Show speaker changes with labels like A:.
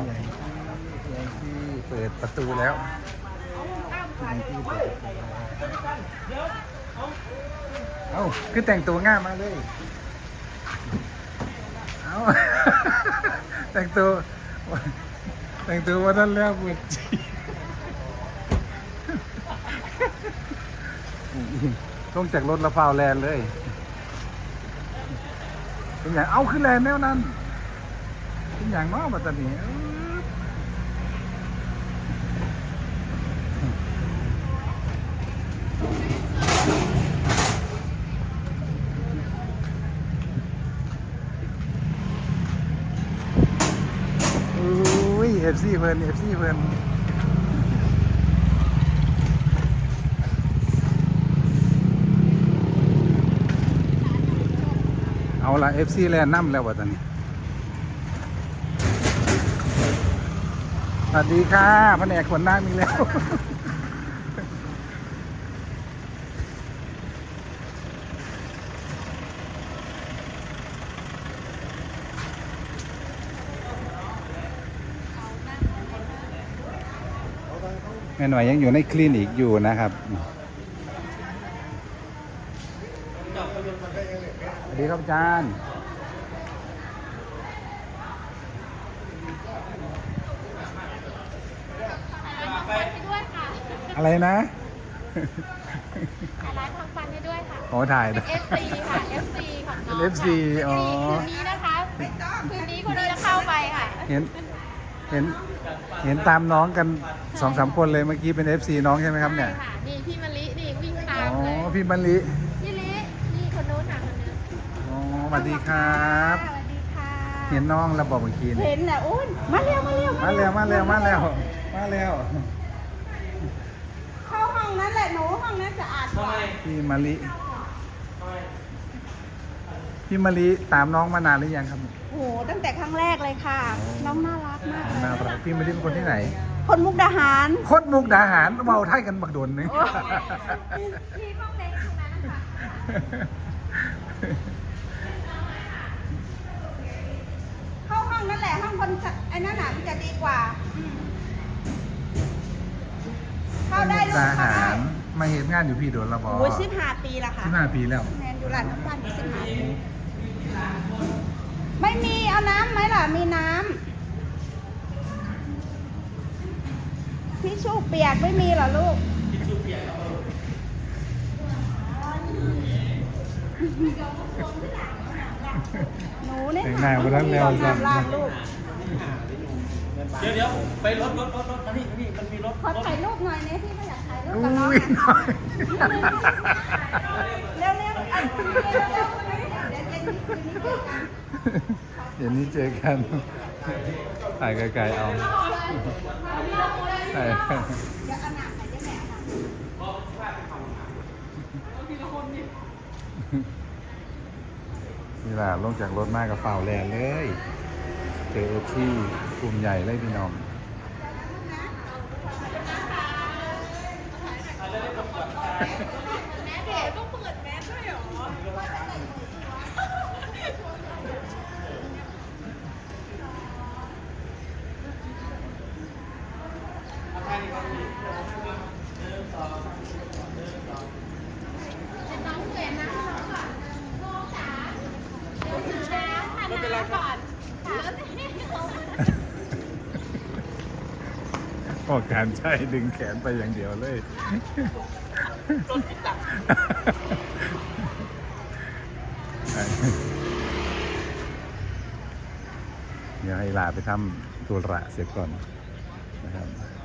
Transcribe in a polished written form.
A: ที่เปิดประตูแล้วที่เปิดประตูเอ้าคือแต่งตัวง่ายมาเลยเอ้า แต่งตัววันนั้นแล้วเปิดจีต้องจากรถละฟาวแลนเลยเป็นอย่างเอาขึ้นแลนแนวนั้นเป็นอย่างน้อมาตอนนี้อุ้ยเอฟซีเพิ่นเอาละ FC แลนด์น้ำแล้ววะตอนนี้สวัสดีค่ะแผนกขนน้ำมีแล้วแม่หน่อยยังอยู่ในคลินิกอยู่นะครับสวัสดีครับอาจารย์อะไรนะ
B: ถ่ายร้านทำฟันให้ด้วยค่ะ
A: โอ้ถ่าย
B: เป็น FC ค่ะ FC ของน้อง
A: เป็น FC อ๋อ
B: คืนนี้นะคะคืนนี้คนนี้จะเข้าไปค่ะ
A: เห็นตามน้องกัน 2-3 คนเลยเมื่อกี้เป็น FC น้องใช่ไหมครับเนี่ย
B: ใช่ค่ะนี่พี่มะลินี่วิ่งตา
A: อ๋
B: ม
A: อ
B: เลย
A: พี่มะลิ
B: พี่ลินี่คนนู้นค่ะคนนี้
A: อ๋อสวัสดีครับ
B: สวัสดีค่ะ
A: เห็นน้องแล้วบอกเมื่อกี้
B: เห็นน่ะอุ้นมาเร็ว
A: มาแล้ว
B: เข้าห้องนั้นแหละหนูห้องนั้นจะอาดกว่า
A: พี่มะลิตามน้องมานานหรือยังครับ
B: โอ้โหตั้งแต่ครั้งแรกเลยค่ะ น้องน่ารักมากเลย
A: น่ารักพี่มะลิเป็นคนที่ไหน
B: คนมุกดาหาร
A: โคตรมุกดาหารเบาไทยกันบักโดนนึง
B: พี่ห้องเด็กตรงนั้นนะคะเข้าห้องนั่นแหละห้องคนไอ้นั่นน่ะมันจะดีกว่าเข้าได้ลูก
A: ดา
B: เข้า
A: หา
B: ได้
A: รมาเห็นงานอยู่พี่โดนละบอ
B: โอ้ย15 ปีแล้วค่ะ
A: 15 ปีแล้ว
B: แมนอยู่ร้านน้ำตาลอยู่15 ปีไม่มีเอาน้ำไหมล่ะมีน้ำทิชชู่เปียกไม่มีเหรอลูกทิชชู่เปียกหนูเนี่ย
A: แต่งหน้ามาทั้งแล้ว
B: ลาดลูก
C: เดี๋ยวไปรถอันนี้มันมีรถ
B: ขอถ่ายรูปหน่อยเนี่ยพี่ก็อยากถ่ายรูป
A: อุ้
B: กับน้อง
A: ยน้อย
B: เร็วๆอันนี้เร็วๆเดี๋ยวนี้เจอกัน
A: เดี๋ยวนี้เจอกันถ่ายไกลๆเอาถ่าย
B: เดี๋ยวเอาหนักใส่เจ๊แหม่ค่ะ
A: นี่แหละลงจากรถมากกับเป่าแลนเลยเจอที่กลุ่มใหญ่เลยพี่น้องพอการใช้ดึงแขนไปอย่างเดียวเลยเดี๋ยวให้ลาไปทำตัวระเสร็จก่อนนะครับ